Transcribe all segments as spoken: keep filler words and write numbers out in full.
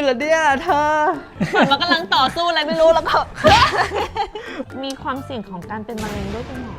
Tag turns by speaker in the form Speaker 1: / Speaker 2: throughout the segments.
Speaker 1: อเนี่ยเธอ
Speaker 2: เหมือนว่ากำลังต่อสู้อะไรไม่รู้แล้วก็ มีความเสี่ยงของการเป็นมะเร็งด้วยคุณหมอ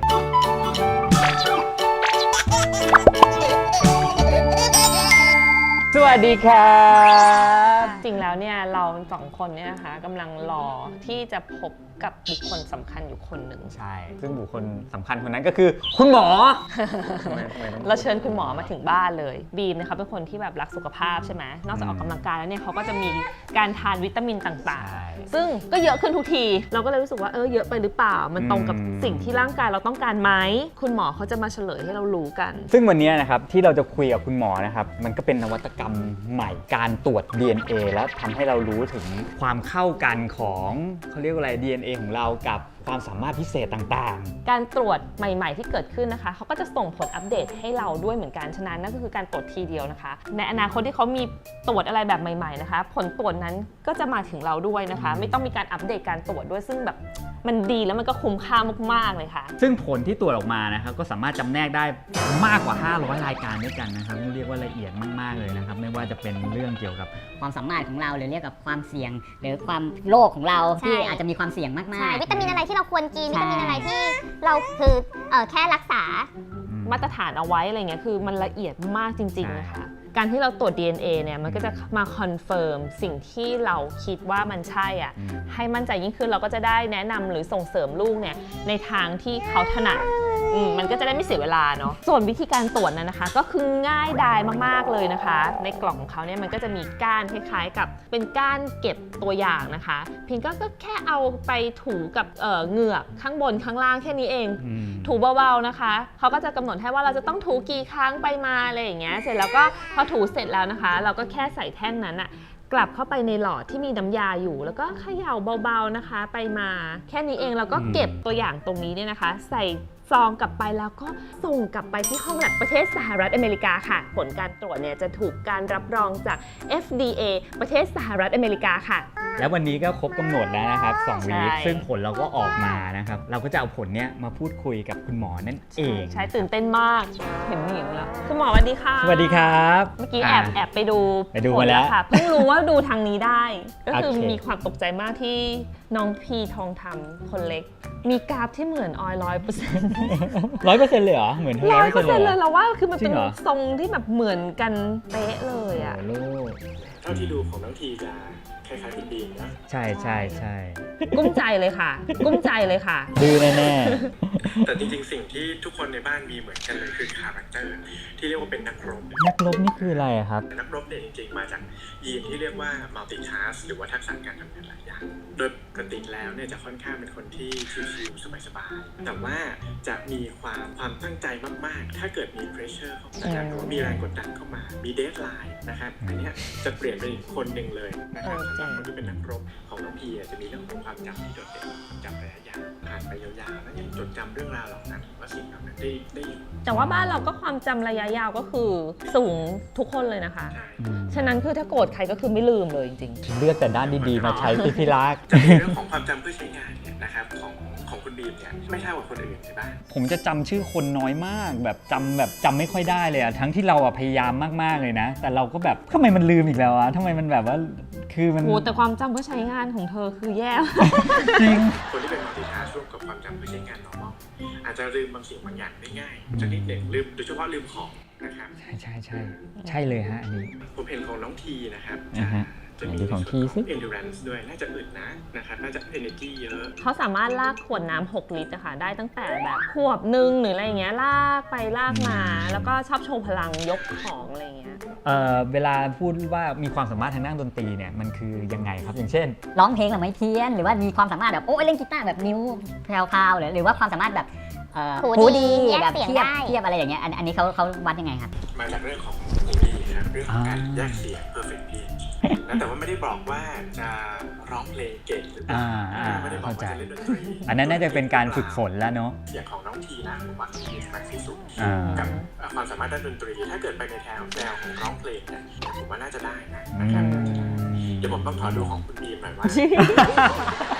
Speaker 1: สวัสดีครับ
Speaker 2: จริงแล้วเนี่ยเราสองคนเนี่ยนะคะกำลังรอที่จะพบกับบุคคลสำคัญอยู่คนหนึ่ง
Speaker 1: ใช่ซึ่งบุคคลสำคัญคนนั้นก็คือคุณหมอ
Speaker 2: เราเชิญคุณหมอมาถึงบ้านเลยบีมนะคะเป็นคนที่แบบรักสุขภาพใช่ไหมนอกจากออกกำลังกายแล้วเนี่ยเขาก็จะมีการทานวิตามินต่างๆซึ่งก็เยอะขึ้นทุกทีเราก็เลยรู้สึกว่าเออเยอะไปหรือเปล่ามันตรงกับสิ่งที่ร่างกายเราต้องการไหมคุณหมอเขาจะมาเฉลยให้เรารู้กัน
Speaker 1: ซึ่งวันนี้นะครับที่เราจะคุยกับคุณหมอนะครับมันก็เป็นนวัตกรรมใหม่การตรวจ ดี เอ็น เอ แล้วทำให้เรารู้ถึงความเข้ากันของเขาเรียกว่าอะไร ดี เอ็น เอ ของเรากับความสามารถพิเศษต่าง
Speaker 2: ๆการตรวจใหม่ๆที่เกิดขึ้นนะคะเขาก็จะส่งผลอัปเดตให้เราด้วยเหมือนกันฉะนั้นนั่นก็คือการตรวจทีเดียวนะคะในอนาคตที่เขามีตรวจอะไรแบบใหม่ๆนะคะผลตรวจนั้นก็จะมาถึงเราด้วยนะคะไม่ต้องมีการอัปเดตการตรวจด้วยซึ่งแบบมันดีแล้วมันก็คุ้มค่ามากๆเลยค่ะ
Speaker 1: ซึ่งผลที่ตรวจออกมานะครับก็สามารถจำแนกได้มากกว่าห้าร้อยรายการด้วยกันนะครับเรียกว่าละเอียดมากๆเลยนะครับไม่ว่าจะเป็นเรื่องเกี่ยวกับ
Speaker 3: ความสามารถของเราหรือเรียกกับความเสี่ยงหรือความโรคของเราที่อาจจะมีความเสี่ยงมากๆใช่
Speaker 4: วิตามินอะไรที่เราควรกินวิตามินอะไรที่เราคือเออแค่รักษา
Speaker 2: มาตรฐานเอาไว้อะไรเงี้ยคือมันละเอียดมากจริงๆนะคะการที่เราตรวจ ดี เอ็น เอ เนี่ยมันก็จะมาคอนเฟิร์มสิ่งที่เราคิดว่ามันใช่อ่ะให้มั่นใจยิ่งขึ้นเราก็จะได้แนะนำหรือส่งเสริมลูกเนี่ยในทางที่เขาถนัดมันก็จะได้ไม่เสียเวลาเนาะส่วนวิธีการตรวจนั้นนะคะก็คือง่ายดายมากๆเลยนะคะในกล่องของเขาเนี่ยมันก็จะมีก้านคล้ายๆกับเป็นก้านเก็บตัวอย่างนะคะเพียงก็แค่เอาไปถูกับเอ่อเหงือกข้างบนข้างล่างแค่นี้เองถูเบาๆนะคะเขาก็จะกำหนดให้ว่าเราจะต้องถูกี่ครั้งไปมาอะไรอย่างเงี้ยเสร็จแล้วก็พอถูเสร็จแล้วนะคะเราก็แค่ใส่แท่งนั้นอะกลับเข้าไปในหลอดที่มีน้ำยาอยู่แล้วก็เขย่าเบาๆนะคะไปมาแค่นี้เองเราก็เก็บตัวอย่างตรงนี้เนี่ยนะคะใส่ซองกลับไปแล้วก็ส่งกลับไปที่ห้องแลบประเทศสหรัฐอเมริกาค่ะผลการตรวจเนี่ยจะถูกการรับรองจาก เอฟ ดี เอ ประเทศสหรัฐอเมริกาค่ะ
Speaker 1: แล้ววันนี้ก็ครบกำหนดแล้วนะครับสองวีคซึ่งผลเราก็ออกมานะครับเราก็จะเอาผลเนี้ยมาพูดคุยกับคุณหมอนั่นเอง
Speaker 2: ใช่ตื่นเต้นมากเห็นหญิงแล้วคุณหมอสวัสดีค่ะ
Speaker 1: สวัสดีครับ
Speaker 2: เมื่อกี้แอบแอบไปดู
Speaker 1: ไปดูมาแล้ว
Speaker 2: ค่ะเพิ่งรู้ว่าดูทางนี้ได้ก็คือมีความตกใจมากที่น้องพีทองธรรมคนเล็กมีกราฟที่เหมือนออยร้อยเปอร์เซ็นต์
Speaker 1: ร้อยเปอร์เซ็นต์เลยเหรอเหมือน
Speaker 2: ร้อยเปอร์เซ็นต์เลยเราว่าคือมันเป็นทรงที่แบบเหมือนกันเป๊ะเลยอ่ะ
Speaker 5: เท่าที่ดูของน้องทีจะคล้ายๆคุณบีมนะ
Speaker 1: ใช่ใช่ใช่
Speaker 2: กุ้มใจเลยค่ะกุ้มใจเลยค่ะ
Speaker 1: ดื้อแน่
Speaker 5: ๆแต่จริงๆสิ่งที่ทุกคนในบ้านมีเหมือนกันเลยคือคาแรคเตอร์ที่เรียกว่าเป็นนักรบ
Speaker 1: นักรบนี่คืออะไรครับ
Speaker 5: นักรบเนี่ยจริงๆมาจากยีนที่เรียกว่า multitask หรือว่าทักษะการทำงานหลายอย่างโดยปกติแล้วเนี่ยจะค่อนข้างเป็นคนที่ชิลๆสบายๆแต่ว่าจะมีความความตั้งใจมากๆถ้าเกิดมี pressure เข้ามาหรือว่ามีแรงกดดันเข้ามามี deadline นะครับอันนี้จะเปลี่ยนเป็นอีกคนหนึ่งเลยนะครับสำหรับคนที่เป็นนักรบของน้องพีจะมีเรื่องของความจำที่โดดเด่นจำระยะยาวผ่านไปยาวๆแล้วยังจดจำเรื่องราวเหล่านั้นว่าสิ่งเหล่านั้นได้ได้อยู่
Speaker 2: แต่ว่าบ้านเราก็ความจำระยะยาวก็คือสูงทุกคนเลยนะคะฉะนั้นคือถ้าโกรธใครก็คือไม่ลืมเลยจริง
Speaker 1: ๆเลือกแต่ด้านดีๆมาใช้ที่พี่รัก
Speaker 5: จะมีเรื่องของความจำเพื่อใช้งานเนี่ยนะครับของของคุณบีมเนี่ยไม่เท่ากับคนอื่นใช่ไหม
Speaker 1: ผมจะจำชื่อคนน้อยมากแบบจำแบบจำไม่ค่อยได้เลยอะทั้งที่เราอะพยายามมากๆเลยนะแต่เราก็แบบทำไมมันลืมอีกแล้วอะทำไมมันแบบว่าคือมัน
Speaker 2: โอ้แต่ความจำเพื่อใช้งานของเธอคือแย่
Speaker 1: จริง
Speaker 5: คนที่เป็นมัลติทัสร่วมกับความจำเพื่อใช้งาน normal อาจจะลืมบางสิ่งบางอย่างได้ง่ายสักนิดหนึ่งลืมโดยเฉพาะลืมของนะครับ
Speaker 1: ใช่ใช่ใช่ใช่เลยฮะอันนี้
Speaker 5: ผมเห็นของน้องทีนะครับ
Speaker 1: จะมีของทีซิ
Speaker 5: endurance ด้วยน่าจะอึดนะนะครับน่าจะ energy เยอะ
Speaker 2: เขาสามารถลากขวดน้ำหกลิตรนะคะได้ตั้งแต่แบบขวบหนึ่งหรืออะไรเงี้ยลากไปลากมาแล้วก็ชอบโชว์พลังยกของอะไรเงี้ย
Speaker 1: เอ่อเวลาพูดว่ามีความสามารถทางด้านดนตรีเนี่ยมันคือยังไงครับอย่างเช่น
Speaker 3: ร้องเพลงหรือไม่เพี้ยนหรือว่ามีความสามารถแบบโอ้เล่นกีตาร์แบบนิ้วแพรวๆหรือหรือว่าความสามารถแบบหูดีแบบเทียบเทียบอะไรอย่างเงี้ยอันนี้เขาเขาวัดยังไงครับ
Speaker 5: มาจากเรื่องของหูดีนะครับเรื่องของการแยกเสียง perfect pitch แต่ว่าไม่ได้บอกว่าจะร้องเพลงเก่งหรือเปล่าไม่ได้บอกว่าจะเล่นดนตรี
Speaker 1: อันนั้นน่าจะเป็นการฝึกฝนแล้วเนาะ
Speaker 5: อย่างของน้องทีนะผมว่าทีมากที่สุดกับความสามารถด้านดนตรีถ้าเกิดไปในแนวแนวของร้องเพลงเนี่ยผมว่าน่าจะได้นะครับเดี๋ยวผมต้องขอดูของคุณบีมหน่อยว่า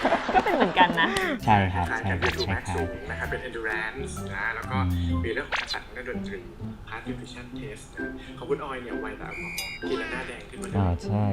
Speaker 2: เป็นเหมือนกันนะ
Speaker 1: ใช่ครับ
Speaker 5: คล้าย
Speaker 1: ใช่
Speaker 5: ๆกัน
Speaker 1: ค
Speaker 5: คือ
Speaker 1: รับ
Speaker 5: ดู
Speaker 1: ค
Speaker 5: แม็ก
Speaker 1: ล้าย
Speaker 5: สูงนะครับเป็น endurance นะแล้วก็มีเรื่องของทักษะทางด้านดนตรี passive vision test นะของคุณออยเนี่ยไวต่อแอลกอฮอล์กินแล้วหน้าแดงขึ้นมาเลย
Speaker 1: ๆอ่าใช่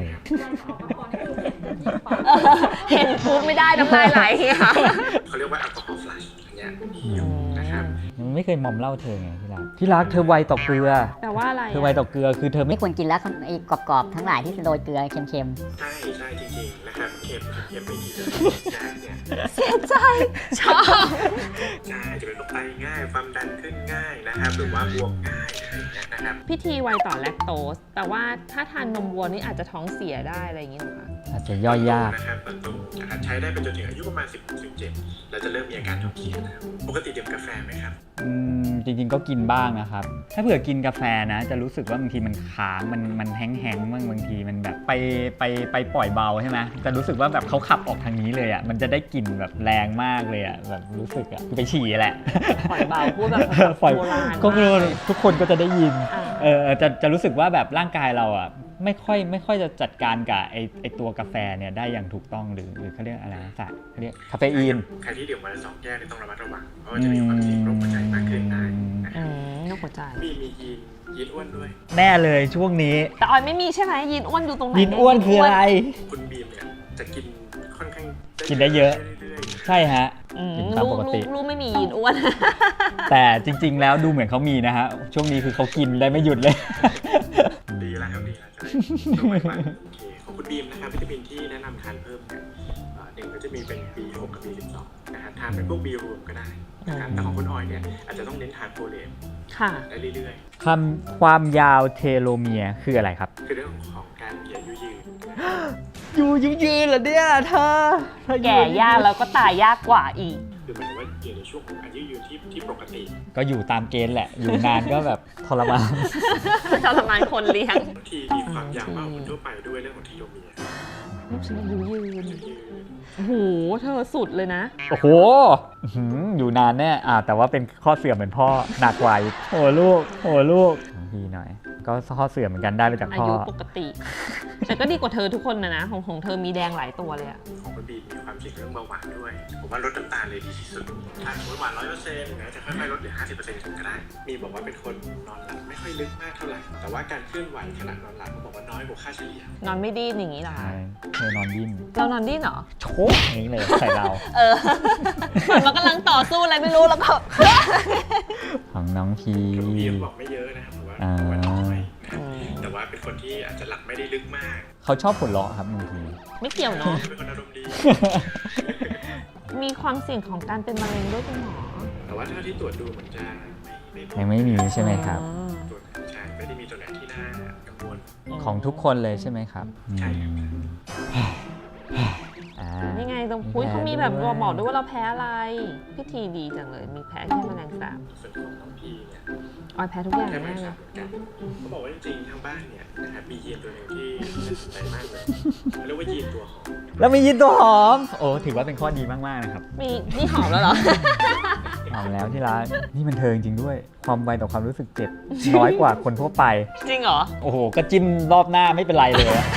Speaker 2: เห็นปุ๊บไม่ได้น้ำลายไหลค่ะ
Speaker 5: เขาเรียกว่าแอลกอฮอล์ flush อันเนี้ยมีอยู่นะครับ
Speaker 1: มันไม่เคยมอมเหล่าเธอไงที่รักที่รักเธอไวต่อเกลือ
Speaker 2: แต่ว่าอะไร
Speaker 1: เธอไวต่อเกลือคือเธอไม่
Speaker 3: ไม่ควรกินแล้วไอ้กรอบๆทั้งหลายที่โรยเกลือเค็ม
Speaker 5: ใช่ใช่จริงๆนะครับเค็มเค็มไม่ดีเลยนะเนี่ย
Speaker 2: เสียใจชอบ
Speaker 5: ใช่จะเป็นโรคไตง่ายความดันขึ้นง่ายนะครับหรือว่าบวมง่ายอะไรอย่างเงี้ยนะครับ
Speaker 2: พิธีไวต่อแลคโตสแต่ว่าถ้าทานนมวัวนี่อาจจะท้องเสียได้อะไรอย่างนี้หรอคะ
Speaker 1: อาจจะย่อยยาก
Speaker 5: นะครับประตูนะครับใช้ได้ไปจนถึงอายุประมาณสิบถึงเจ็ดแล้วจะเริ่มมีอาการท้องเสียแล้วปกติดื่มกาแฟไหมครับ
Speaker 1: อืมจริงๆก็กินบ้างนะครับ ถ้าเผื่อกินกาแฟนะ จะรู้สึกว่าบางทีมันค้างมันมันแห้งๆบ้างบางทีมันแบบไปไปไปปล่อยเบาใช่ไหมแต่รู้สึกว่าแบบเขาขับออกทางนี้เลยอ่ะมันจะได้กลิ่นแบบแรงมากเลยอ่ะแบบรู้สึกอ่ะคือไปฉี่แหละ
Speaker 2: ปล่อยเบาพูดแบบ
Speaker 1: ปล่อย
Speaker 2: โบราณ
Speaker 1: ก็ไม่รู้ทุกคนก็จะได้ยิน
Speaker 2: อ่า
Speaker 1: เออจะจะรู้สึกว่าแบบร่างกายเราอ่ะไม่ค่อยไม่ค่อยจะจัดการกับไอไอตัวกาแฟเนี่ยได้อย่างถูกต้องหรือหรือเขาเรียกอะไรนะสารเขาเรียกคาเฟอีน
Speaker 5: ใครที่ดื่มวันละสองแก้วเนี่ยต้องระมัดระวังเพราะว่าจะมีความเสี่ยงโรคหัวใจมากขึ้นได้นะค
Speaker 2: อื
Speaker 5: รับ
Speaker 2: มนกหัวใจ
Speaker 5: มีมียีนยีนอ้วนด้วย
Speaker 1: แน่เลยช่วงนี้
Speaker 2: แต่ออยไม่มีใช่ไหมยีนอ้วนอยู่ตรงไหน
Speaker 1: ยินอ้วนคืออะไร
Speaker 5: คุณบีมเนี่ยจะกินค่อนข้าง
Speaker 1: กินได้เยอะ
Speaker 5: เรื่อยๆ
Speaker 1: ใช่ฮะ
Speaker 2: อืม
Speaker 1: กินตาม
Speaker 2: ลู
Speaker 1: ป
Speaker 2: ก
Speaker 1: ก
Speaker 2: ลู
Speaker 1: ติ
Speaker 2: กลูกไม่มียีนอ้วน
Speaker 1: แต่จริง ๆ แล้วดูเหมือนเขามีนะฮะ ช่วงนี้คือเขากินได้ไม่หยุดเลย
Speaker 5: ดีแล้วครับดีแล้วจะได้ตัวใหม่มาโอเคของคุณบีมนะครับวิตามินที่แนะนำทานเพิ่มเนี่ยเอ่อหนึ่งก็จะมีเป็น บี หก กับ บี สิบสอง นะครับทานเป็นพวก B รวมก็ได้นะครับแต่ของคุณออยเนี่ยอาจจะต้องเน้นทานโฟเลต
Speaker 2: ค่ะ
Speaker 5: ได้เรื่อย
Speaker 1: คำความยาวเทโลเมียร์คืออะไรครับ
Speaker 5: ๆ คือเรื่องของการมีอายุยืน
Speaker 1: อยู่ยืนยืนเหรอเนี่ยเธอเธอ
Speaker 2: แก่ยากแล้วก็ตายยากกว่าอีก
Speaker 5: คือหมายถึงว่าอยู่ในช่วงของอายุยืนที่ที่ปกติ
Speaker 1: ก็อยู่ตามเกณฑ์แหละ อยู่นานก็แบบทรมาน
Speaker 2: ทรมานคนเลี้ยง
Speaker 5: บางทีมีความยาวมากกว่าคนทั่วไปด้วยเรื่องของเทโลเมียร์
Speaker 2: ลูกฉันอายุยืน
Speaker 5: อายุยืน
Speaker 2: โอ้โห เธอสุดเลยนะ
Speaker 1: โอ้โหอื้อหืออยู่นานแน่อ่าแต่ว่าเป็นข้อเสื่อมเหมือนพ่อหนักกว่าอีกโอ้ลูกโอ้ลูกพี่หน่อย ก็ข้อเสื่อมเหมือนกันได้ไปจาก
Speaker 2: อา
Speaker 1: พ่อ
Speaker 2: ยุปกติ แต่ก็ดีกว่าเธอทุกคนนะนะ ของของเธอมีแดงหลายตัวเลยอะ
Speaker 5: ของคุณบีมมีความเสี่ยงเรื่องเบาหวานด้วย ผมว่าลดน้ำตาลเลยดีที่สุด ถ้าสมมติหวานร้อยเปอร์เซ็นต์นะจะค่อยๆลดเหลือห้าสิบเปอร์เซ็นต์ก็ได้ มีบอกว่าเป็นคนนอนหลับไม่ค่อยลึกมากเท่าไหร่ แต่ว่าการเคลื่อนไหวขณะนอนหลับเขาบอกว่าน้อยกว่าค่าเฉลี่ย
Speaker 2: นอนไม่ดิ้นอย่างนี้เหรอ
Speaker 1: ใช่
Speaker 2: คะ
Speaker 1: เธอนอนดิ้น
Speaker 2: เรานอนดิ้นเหรอ
Speaker 1: โชกอย่างนี้เลยใส่เรา
Speaker 2: เออ เหมือนมันกำลังต่อสู้อะไรไม่รู้แล้วก็
Speaker 1: ของน้องพี
Speaker 5: คุณบีมบอกไม่เยอะนะครับผมว่าผมว่าน้อยนะครับแต่ว่าเป็นคนที่อาจจะหลับไม่ได้ลึกมาก
Speaker 1: เขาชอบผลเราะครับบางที
Speaker 2: ไม่เกี่ยวเนาะ
Speaker 5: เป็นคนอารมณ์ดี
Speaker 2: มีความเสี่ยงของการเป็นมะเร็งด้วยคุณหมอ
Speaker 5: แต่ว่าเท่าที่ตรวจดูมันจะไม่ไม่
Speaker 1: ยังไม่มีใช่ไหมครับ
Speaker 2: อ๋อ
Speaker 5: ตรวจใช่ไม่ได้มีตัวไหนที่น่ากังวล
Speaker 1: ของทุกคนเลยใช่ไหมครับ
Speaker 5: ใช่ครับ
Speaker 1: อืมอ่า
Speaker 2: นี่ไงตรงพุ้ยเขามีแบบบอกด้วยว่าเราแพ้อะไร พิธีดีจังเลย มีแพ้แค่แมลงสาบ
Speaker 5: ส่วนของน้องพีเนี่ย
Speaker 2: ออยแพ้ทุกอย่าง
Speaker 5: แค่
Speaker 2: แน่
Speaker 5: ไม่
Speaker 2: เล
Speaker 5: ทราย บเหมือนกันเขาบอกว่าจริงๆทางบ้านเนี่ยนะครับมียีนตัวหนึ่งที่น่าสนใจมากเลยเรียกว่ายีนตัวหอม
Speaker 1: แล้วมียินตัวหอม โอ้ถือว่าเป็นข้อดีมากๆนะครับ
Speaker 2: มีนี่หอมแล้วเหรอ
Speaker 1: หอมแล้วที่รักนี่มันเธอจริงๆด้วย ความไวต่อความรู้สึกเจ็บ น้อยกว่าคนทั่วไป
Speaker 2: จริงเหรอ
Speaker 1: โอ้โห ก็จิ้มรอบหน้าไม่เป็นไรเลยอะ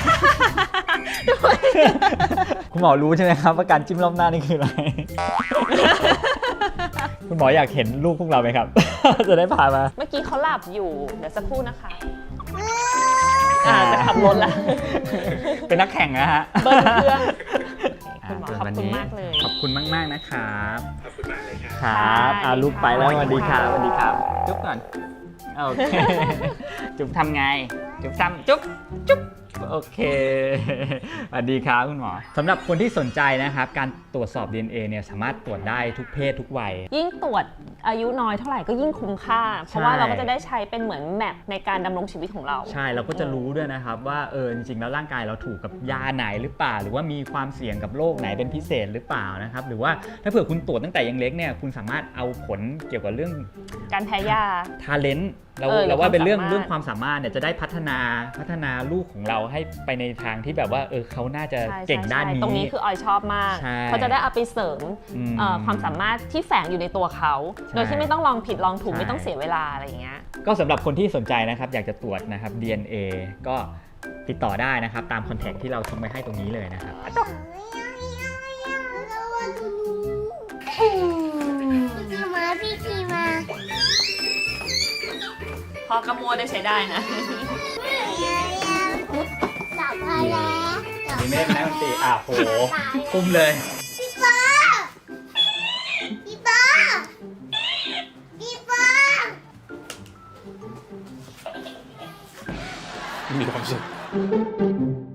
Speaker 1: คุณหมอรู้ใช่ไหมครับว่าการจิ้มรอบหน้านี่คืออะไร คุณหมออยากเห็นลูกพวกเราไหมครับ จะได้พามา
Speaker 2: เมื่อกี้เขาหลับอยู่ เดี๋ยวสักครู่นะคะ อ่าจะขับรถละ
Speaker 1: เป็นนักแข่งนะฮะ
Speaker 2: เบิ้ลเครื่อง
Speaker 1: อ่า
Speaker 2: คุณหมอ
Speaker 1: ส่วน
Speaker 2: ขอบ
Speaker 1: วัน
Speaker 2: คุณ
Speaker 1: นี้
Speaker 2: มากเลย
Speaker 1: ขอบคุณมากๆนะครับ
Speaker 5: ขอบคุณมากเลยครับ
Speaker 1: ครับอ่า
Speaker 2: สวัสดี
Speaker 1: ลูกไปแล้ว
Speaker 2: ค่ะ
Speaker 1: สวัสดีครับสวัสดีครับ จุ๊บก่อน โอเค จุ๊บทำไง จุ๊บซ้ำจุ๊บ จุ๊บ โอเค สวัสดีครับคุณหมอสำหรับคนที่สนใจนะครับ การตรวจสอบ ดี เอ็น เอ เนี่ยสามารถตรวจได้ทุกเพศทุกวัย
Speaker 2: ยิ่งตรวจอายุน้อยเท่าไหร่ก็ยิ่งคุ้มค่า เพราะว่า
Speaker 1: ใช่
Speaker 2: เราก็จะได้ใช้เป็นเหมือนแมปในการดำรงชีวิตของเรา
Speaker 1: ใช่เราก็จะรู้ด้วยนะครับว่าเออจริงๆแล้วร่างกายเราถูกกับยาไหนหรือเปล่า หรือว่ามีความเสี่ยงกับโรคไหนเป็นพิเศษหรือเปล่านะครับหรือว่าถ้าเผื่อคุณตรวจตั้งแต่ยังเล็กเนี่ยคุณสามารถเอาผลเกี่ยวกับเรื่อง
Speaker 2: การแพ้ยา
Speaker 1: ทาเลนต์เรา
Speaker 2: เออ
Speaker 1: เราว่าเป็นเรื่อง
Speaker 2: ความสามารถ
Speaker 1: เรื่องความสามารถเนี่ยจะได้พัฒนาพัฒนาลูกของเราให้ไปในทางที่แบบว่าเออเขาน่าจะ
Speaker 2: ใช่
Speaker 1: เก่งด้าน
Speaker 2: ใช่
Speaker 1: นี้
Speaker 2: ตรงนี้คือออยชอบมาก
Speaker 1: ใช่
Speaker 2: เขาจะได้เอาไปเสริม
Speaker 1: อืม
Speaker 2: เอ่อความสามารถที่แฝงอยู่ในตัวเขา
Speaker 1: ใช่
Speaker 2: โดยที่ไม่ต้องลองผิดลองถูก
Speaker 1: ใช่
Speaker 2: ไม่ต้องเสียเวลาอะไรอย่างเงี้ย
Speaker 1: ก็สำหรับคนที่สนใจนะครับอยากจะตรวจนะครับ ดี เอ็น เอ ก็ติดต่อได้นะครับตามคอนแทคที่เราทิ้งไว้ให้ตรงนี้เลยนะครับ
Speaker 4: สวัสมาพี่ทีมา
Speaker 2: พอกระมัวได้ใช้ได้นะ
Speaker 4: จับพอแล้ว
Speaker 1: นี่ไม่ได้เป็นนักดนตรีอ่ะโหคุ้มเลย
Speaker 4: พี่ปอพี่ปอพี่ปอ
Speaker 6: มีความสุข